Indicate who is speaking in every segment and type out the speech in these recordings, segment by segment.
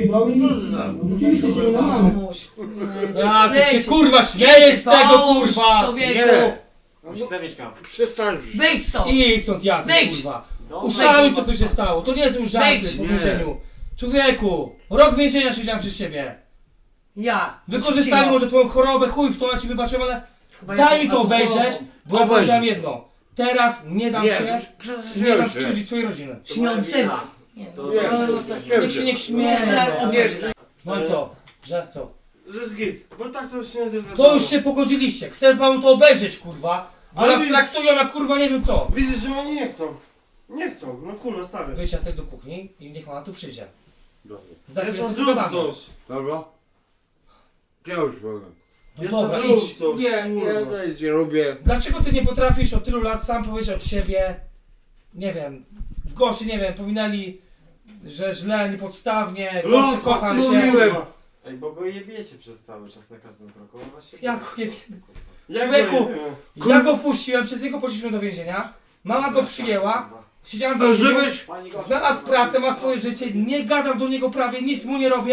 Speaker 1: i rzuciliście się na mamę.
Speaker 2: A ty się kurwa śmiejesz z tego kurwa!
Speaker 3: Człowieku!
Speaker 4: Źle mieszkam.
Speaker 5: Przestań.
Speaker 3: Wyjdź stąd!
Speaker 2: I stąd Jacek
Speaker 3: Wyjdź!
Speaker 2: kurwa!
Speaker 4: No,
Speaker 2: Uszaluj to co się stało, to nie są żarty
Speaker 3: Wyjdź!
Speaker 2: po więzieniu. Człowieku, rok więzienia siedziałem przez ciebie.
Speaker 3: Ja!
Speaker 2: Wykorzystali może twoją chorobę, chuj w to, ja ci wybaczyłem, ale daj mi to obejrzeć, bo ja powiedziałem jedno. Teraz nie dam się, nie dam skrzywdzić swojej rodziny.
Speaker 3: Śniącyma!
Speaker 2: Niech się nie
Speaker 3: Nie,
Speaker 2: śmieje.
Speaker 3: zaraz
Speaker 2: No i co? Że co?
Speaker 4: Że jest git, bo tak to już nie tylko.
Speaker 2: To już się pogodziliście, chcę z wami to obejrzeć kurwa. Bo
Speaker 4: Ale
Speaker 2: nas
Speaker 4: widzisz-
Speaker 2: traktują jak kurwa nie wiem co.
Speaker 4: Widzisz, że oni nie chcą. Nie chcą, no kurwa, stawię.
Speaker 2: Wyjdź Jacek do kuchni i niech ona tu przyjdzie. Za
Speaker 4: Ja
Speaker 2: chwilę
Speaker 4: co
Speaker 2: sobie
Speaker 4: zrób
Speaker 2: pogadamy.
Speaker 4: coś.
Speaker 5: Dobra? Ja już powiem.
Speaker 2: No
Speaker 4: Ja
Speaker 2: dobra,
Speaker 4: co
Speaker 2: idź.
Speaker 4: zrób coś.
Speaker 5: Nie,
Speaker 4: kurwa.
Speaker 5: ja nic nie robię.
Speaker 2: Dlaczego ty nie potrafisz od tylu lat sam powiedzieć od siebie, nie wiem, goście, nie wiem, powinęli, że źle, niepodstawnie, goście,
Speaker 4: Los,
Speaker 2: kocham cię.
Speaker 5: mówiłem.
Speaker 4: Ej, bo go jebiecie przez cały czas na każdym kroku. No właśnie.
Speaker 2: Jak nie
Speaker 4: Jak
Speaker 2: Człowieku!
Speaker 4: go jebiemy?
Speaker 2: Ja go wpuściłem, przez niego poszliśmy do więzienia, mama go przyjęła, siedziałem w
Speaker 5: A
Speaker 2: więzieniu,
Speaker 5: żebyś...
Speaker 2: znalazł pracę, ma swoje życie, nie gadam do niego prawie, nic mu nie robię.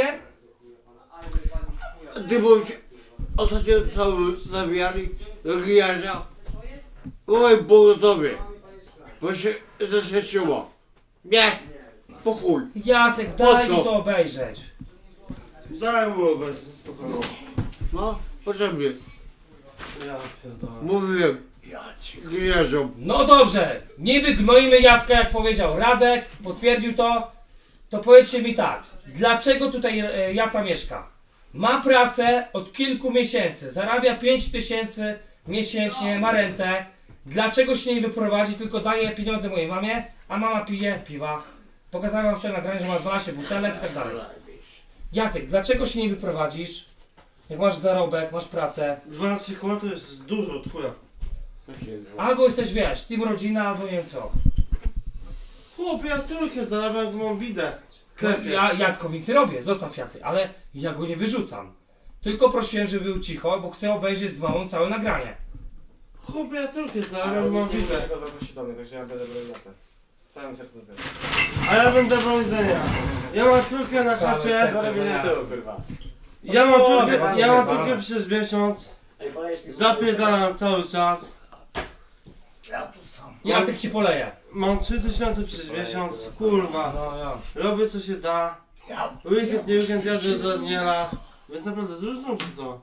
Speaker 5: Ty byłeś... Ostatnio cały zabijali do gijarza. Oj, Bogotowie. Bo się zaświeciło. Nie. Pokój.
Speaker 2: Jacek, daj
Speaker 5: Po
Speaker 2: mi
Speaker 5: co?
Speaker 2: to obejrzeć.
Speaker 4: Daj mu obejść, spokojnie.
Speaker 5: No, potrzebnie.
Speaker 4: Ja pierdolę.
Speaker 5: Mówiłem. Gijarzom.
Speaker 2: No dobrze, niby gnoimy Jacka, jak powiedział Radek, potwierdził to powiedzcie mi tak, dlaczego tutaj Jaca mieszka? Ma pracę od kilku miesięcy, zarabia 5000 miesięcznie, ma rentę, dlaczego się nie wyprowadzi, tylko daje pieniądze mojej mamie, a mama pije piwa. Pokazałem wam wczoraj nagranie, że ma 12 butelek i tak dalej. Jacek, dlaczego się nie wyprowadzisz, jak masz zarobek, masz pracę,
Speaker 4: 12 koła to jest dużo od chuja.
Speaker 2: albo jesteś, wiesz, team rodzina, albo nie wiem co.
Speaker 4: Chłopie, ja trójkę zarabiam, jak mam widę.
Speaker 2: No, ja Jackowi nic nie robię, zostaw Jacy, ale ja go nie wyrzucam. Tylko prosiłem, żeby był cicho, bo chcę obejrzeć z mamą całe nagranie.
Speaker 4: Chłopie, ja trójkę
Speaker 6: Ale
Speaker 4: zarabiam, mam
Speaker 6: nic nie
Speaker 4: widę.
Speaker 6: tego zwraca się do mnie, także ja będę bronił Jacę. Całym sercem zero.
Speaker 4: A ja będę brał widzenia. Ja mam trójkę na
Speaker 2: Całe
Speaker 4: chacie.
Speaker 2: serce.
Speaker 6: Zarobienie tyłu, kurwa.
Speaker 4: Ja mam
Speaker 2: Boże,
Speaker 4: trójkę, ja mam
Speaker 2: Boże.
Speaker 4: trójkę przez miesiąc.
Speaker 6: Ej, polejesz mi...
Speaker 4: Zapierdalam cały czas.
Speaker 3: Ja tu sam.
Speaker 2: Jacek ci poleje.
Speaker 4: Mam 3000 przez miesiąc. Kurwa.
Speaker 2: No, ja.
Speaker 4: Robię co się da.
Speaker 3: Ja
Speaker 4: Weekend, nie weekend jadę do Daniela. Więc naprawdę zróżną czy to.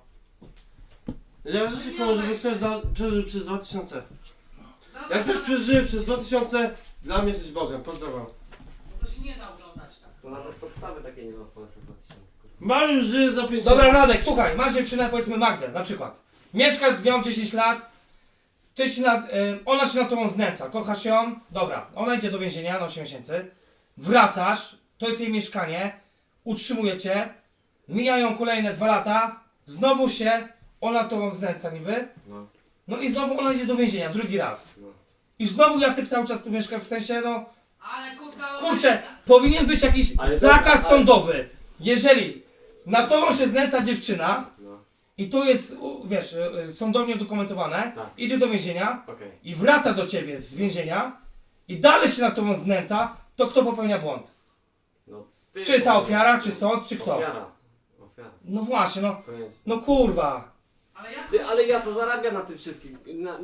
Speaker 4: Ja życzę komu, żeby ktoś przeżył przez 2000. Jak ktoś przeżyje przez 2000, dla mnie jesteś Bogiem. Pozdrawiam.
Speaker 3: To się nie da oglądać tak.
Speaker 6: To nawet podstawy takiej nie ma w Polsce 2000, kurwa.
Speaker 4: Mariusz żyje za 5
Speaker 2: Dobra, Radek, słuchaj, masz dziewczynę, powiedzmy Magdę, na przykład. Mieszkasz z nią 10 lat, ty się ona się nad tobą znęca, kochasz ją, dobra, ona idzie do więzienia na 8 miesięcy, wracasz, to jest jej mieszkanie, utrzymuje cię, mijają kolejne 2 lata, znowu się ona nad tobą znęca niby,
Speaker 6: No.
Speaker 2: no i znowu ona idzie do więzienia, drugi raz.
Speaker 6: No.
Speaker 2: I znowu Jacek cały czas tu mieszka, w sensie no,
Speaker 3: Ale kurwa...
Speaker 2: kurczę, powinien być jakiś
Speaker 6: Ale
Speaker 2: zakaz
Speaker 6: dobra, ale-
Speaker 2: sądowy. Jeżeli na tobą się znęca dziewczyna
Speaker 6: No.
Speaker 2: i tu jest, wiesz, sądownie udokumentowane,
Speaker 6: Tak.
Speaker 2: idzie do więzienia
Speaker 6: Okej.
Speaker 2: i wraca do ciebie z więzienia i dalej się nad tobą znęca, to kto popełnia błąd?
Speaker 6: No. Ty,
Speaker 2: Czy ta
Speaker 6: kurwa.
Speaker 2: ofiara, czy sąd, czy kto?
Speaker 6: Ofiara. Ofiara.
Speaker 2: No właśnie, no,
Speaker 6: Koniec.
Speaker 2: no kurwa.
Speaker 3: Ale ja...
Speaker 6: Ty, ale ja co zarabia na tym wszystkim?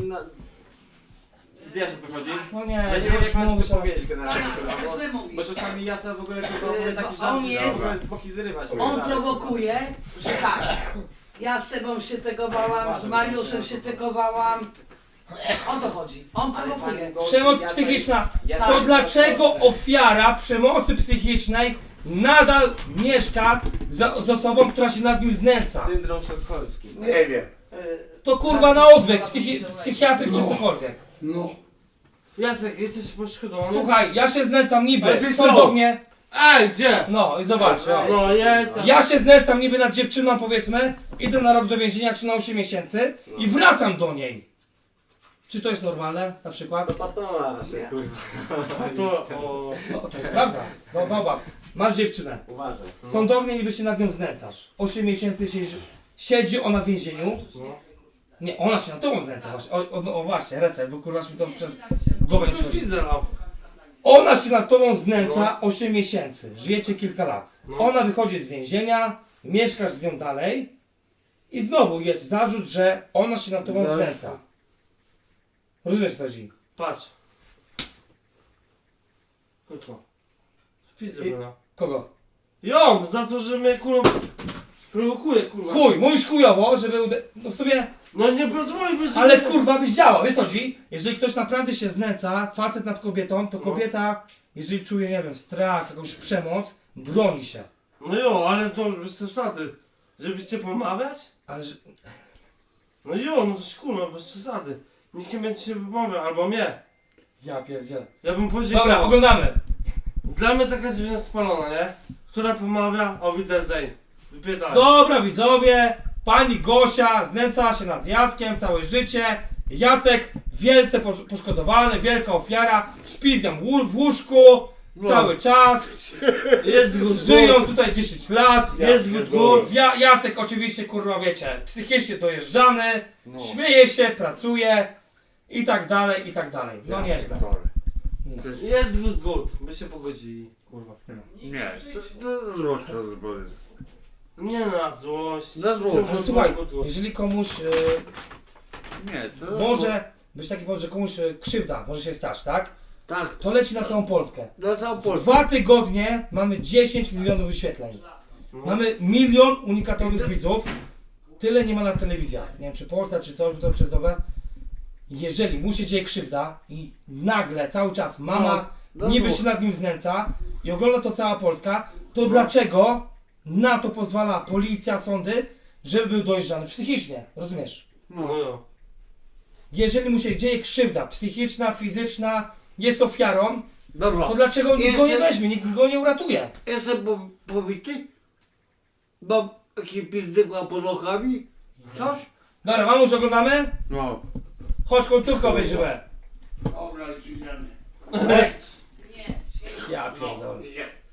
Speaker 6: Wiesz o co chodzi?
Speaker 2: No nie,
Speaker 6: Ja nie wiem jak mam ci
Speaker 2: mówić,
Speaker 6: to
Speaker 2: ale-
Speaker 6: powiedzieć generalnie, kurwa, bo...
Speaker 3: źle mówi.
Speaker 6: Bo czasami Jaca w ogóle kurwa mówi taki
Speaker 3: Bo on
Speaker 6: żart,
Speaker 3: jest-
Speaker 6: że jest boki zrywać.
Speaker 3: On prowokuje, że tak. Ja z Sebą się tegowałam, z Mariuszem się tegowałam. O to chodzi. On prowokuje.
Speaker 2: Przemoc psychiczna.
Speaker 6: Ja
Speaker 2: To
Speaker 6: tak-
Speaker 2: dlaczego ofiara przemocy psychicznej nadal mieszka z osobą, która się nad nim znęca?
Speaker 6: Syndrom sztokholmski.
Speaker 5: Nie wiem.
Speaker 2: To kurwa na odwyk, psychiatryk czy cokolwiek.
Speaker 5: No.
Speaker 4: Jacek, jesteś poszkodowany?
Speaker 2: Słuchaj, ja się znęcam
Speaker 5: Ale
Speaker 2: niby
Speaker 5: ty co?
Speaker 2: sądownie.
Speaker 4: Ej, gdzie?
Speaker 2: No i zobacz, o.
Speaker 4: No jest.
Speaker 2: Ja się znęcam niby nad dziewczyną, powiedzmy, idę na rok do więzienia czy na 8 miesięcy i wracam do niej. Czy to jest normalne, na przykład?
Speaker 6: To patola nasze, kurwa.
Speaker 4: To, o...
Speaker 2: No, to jest prawda. No baba, masz dziewczynę.
Speaker 6: Uważaj.
Speaker 2: Sądownie niby się nad nią znęcasz. 8 miesięcy siedzi ona w więzieniu. Nie, ona się nad tobą znęca właśnie. O właśnie, reset, bo kurwa mi to przez głowę nie
Speaker 4: To
Speaker 2: przychodzi.
Speaker 4: pizdę dał.
Speaker 2: Ona się nad tobą znęca 8 miesięcy. Żyjecie kilka lat.
Speaker 4: No.
Speaker 2: Ona wychodzi z więzienia, mieszkasz z nią dalej i znowu jest zarzut, że ona się nad tobą
Speaker 5: No.
Speaker 2: znęca. Rozumiesz co chodzi?
Speaker 4: Patrz. Kurwa. Wpis
Speaker 2: I-
Speaker 4: no.
Speaker 2: Kogo?
Speaker 4: Ją, za to, że mnie kurwa prowokuje, kurwa.
Speaker 2: Chuj, mówisz chujowo, żeby no w sumie,
Speaker 4: No nie pozwoliłbyś, żeby...
Speaker 2: ale kurwa byś działał, wiesz co chodzi? Jeżeli ktoś naprawdę się znęca, facet nad kobietą, to
Speaker 4: No.
Speaker 2: kobieta, jeżeli czuje, nie wiem, strach, jakąś przemoc, broni się.
Speaker 4: No jo, ale to bez przesady. Żebyś cię pomawiać?
Speaker 2: Ale że...
Speaker 4: No jo, no to kurwa, bez przesady. Nikt nie będzie się pomawiał, albo mnie.
Speaker 2: Ja pierdzielę.
Speaker 4: Ja bym podziękował.
Speaker 2: Dobra, oglądamy.
Speaker 4: Dla mnie taka dziewczyna spalona, nie? Która pomawia o Wiedersehen. Wypierdalaj.
Speaker 2: Dobra widzowie, pani Gosia znęcała się nad Jackiem całe życie. Jacek wielce poszkodowany, wielka ofiara, śpi z nią w łóżku cały czas.
Speaker 4: Jest good,
Speaker 2: Żyją tutaj 10 lat.
Speaker 4: Jest good, good.
Speaker 2: Jacek oczywiście, kurwa wiecie, psychicznie dojeżdżany,
Speaker 5: No.
Speaker 2: śmieje się, pracuje i tak dalej, i tak dalej. No nieźle.
Speaker 4: Jest good, good. By się pogodzili, kurwa.
Speaker 5: Nie, to złość to zbrodni.
Speaker 4: Nie na złość.
Speaker 5: Na złość.
Speaker 4: Good,
Speaker 2: Ale
Speaker 4: good,
Speaker 2: słuchaj,
Speaker 4: good, good.
Speaker 2: jeżeli komuś
Speaker 5: Nie, to...
Speaker 2: może być taki powód, że komuś krzywda może się stać, tak?
Speaker 5: Tak,
Speaker 2: To leci na całą Polskę.
Speaker 5: na całą
Speaker 2: W
Speaker 5: Polskę.
Speaker 2: 2 tygodnie mamy 10 milionów wyświetleń.
Speaker 4: No.
Speaker 2: Mamy 1 milion unikatowych widzów. Tyle nie ma na telewizjach. Nie wiem czy Polsa, czy coś, to przez dobę. Jeżeli mu się dzieje krzywda i nagle cały czas mama
Speaker 5: No,
Speaker 2: niby
Speaker 5: no.
Speaker 2: się nad nim znęca i ogląda to cała Polska, to dlaczego na to pozwala policja, sądy, żeby był dojeżdżany psychicznie? Rozumiesz?
Speaker 4: No jo.
Speaker 2: Jeżeli mu się dzieje krzywda psychiczna, fizyczna, jest ofiarą,
Speaker 5: Dobra,
Speaker 2: to dlaczego nikt go nie
Speaker 5: Jestem-
Speaker 2: weźmie, nikt go nie uratuje?
Speaker 5: jestem powity? Mam taki pizdykła pod okami? Coś?
Speaker 2: Dobra, mamuś, oglądamy?
Speaker 5: No.
Speaker 2: Chodź, końcówkę obejrzymy.
Speaker 5: Dobra, lecimy.
Speaker 2: Ja pierdolę.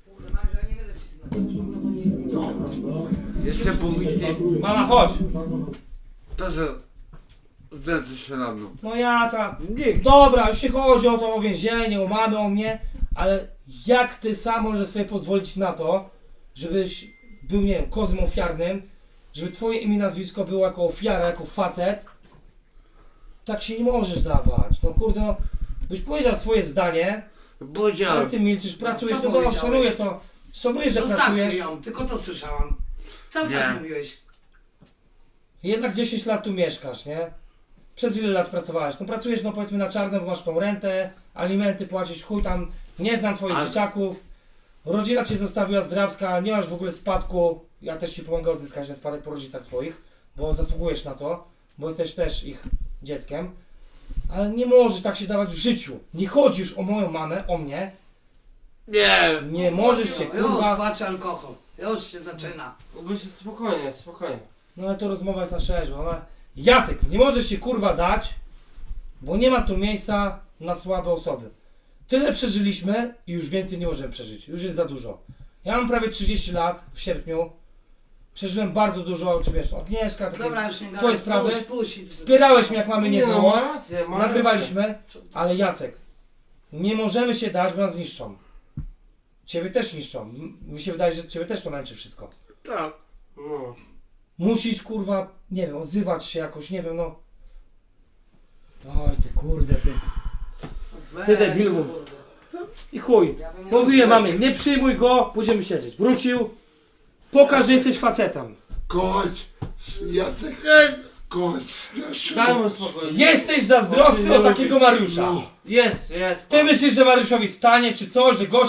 Speaker 5: Jestem powity.
Speaker 2: Mama, chodź.
Speaker 5: To co? Zdecy się na mną.
Speaker 2: No Jaca.
Speaker 5: Nie.
Speaker 2: Dobra, już się chodzi o to o więzienie, o mamy, o mnie, ale jak ty sam możesz sobie pozwolić na to, żebyś był, nie wiem, kozłem ofiarnym, żeby twoje imię i nazwisko było jako ofiara, jako facet? Tak się nie możesz dawać. No kurde, no, byś powiedział swoje zdanie, ale
Speaker 5: Powiedziałem.
Speaker 2: ty milczysz, pracujesz,
Speaker 3: Co
Speaker 2: no dobra,
Speaker 3: powiedziałeś?
Speaker 2: szanuję to. Szanuję, że
Speaker 3: Zostawcie
Speaker 2: pracujesz.
Speaker 3: ją, tylko to słyszałam. Cały
Speaker 5: Nie.
Speaker 3: czas mówiłeś.
Speaker 2: Jednak 10 lat tu mieszkasz, nie? Przez ile lat pracowałeś? No pracujesz, no powiedzmy na czarno, bo masz tą rentę, alimenty płacisz, chuj tam, nie znam twoich
Speaker 5: A-
Speaker 2: dzieciaków. Rodzina cię zostawiła zdrawska, nie masz w ogóle spadku. Ja też ci pomogę odzyskać ten spadek po rodzicach twoich, bo zasługujesz na to, bo jesteś też ich dzieckiem. Ale nie możesz tak się dawać w życiu. Nie chodzisz o moją mamę, o mnie.
Speaker 5: Nie.
Speaker 2: Nie możesz się,
Speaker 3: Już
Speaker 2: kurwa.
Speaker 3: płacze alkohol. Już się zaczyna.
Speaker 4: Gosia, spokojnie, spokojnie.
Speaker 2: No ale to rozmowa jest na szerzej. Ona... Jacek, nie możesz się kurwa dać, bo nie ma tu miejsca na słabe osoby. Tyle przeżyliśmy i już więcej nie możemy przeżyć. Już jest za dużo. Ja mam prawie 30 lat w sierpniu. Przeżyłem bardzo dużo, czy wiesz, Agnieszka, takie
Speaker 3: Dobra, już nie
Speaker 2: swoje
Speaker 3: gadaj.
Speaker 2: sprawy.
Speaker 3: Puść.
Speaker 2: Wspierałeś mnie jak mamy nie
Speaker 4: no,
Speaker 2: było.
Speaker 4: ma rację, ma
Speaker 2: Nagrywaliśmy, ale Jacek, nie możemy się dać, bo nas zniszczą. Ciebie też niszczą. Mi się wydaje, że ciebie też to męczy wszystko.
Speaker 5: Tak.
Speaker 4: No.
Speaker 2: Musisz, kurwa, nie wiem, odzywać się jakoś, nie wiem, no. Oj, ty kurde, ty. Ty debilu. I chuj. Mówiłem mamie, nie przyjmuj go, pójdziemy siedzieć. Wrócił. Pokaż, że jesteś facetem.
Speaker 5: Chodź. Jacek. Chodź.
Speaker 4: Dajmy spokój.
Speaker 2: Jesteś zazdrosny o takiego Mariusza.
Speaker 4: Jest.
Speaker 2: Ty myślisz, że Mariuszowi stanie, czy coś, że gość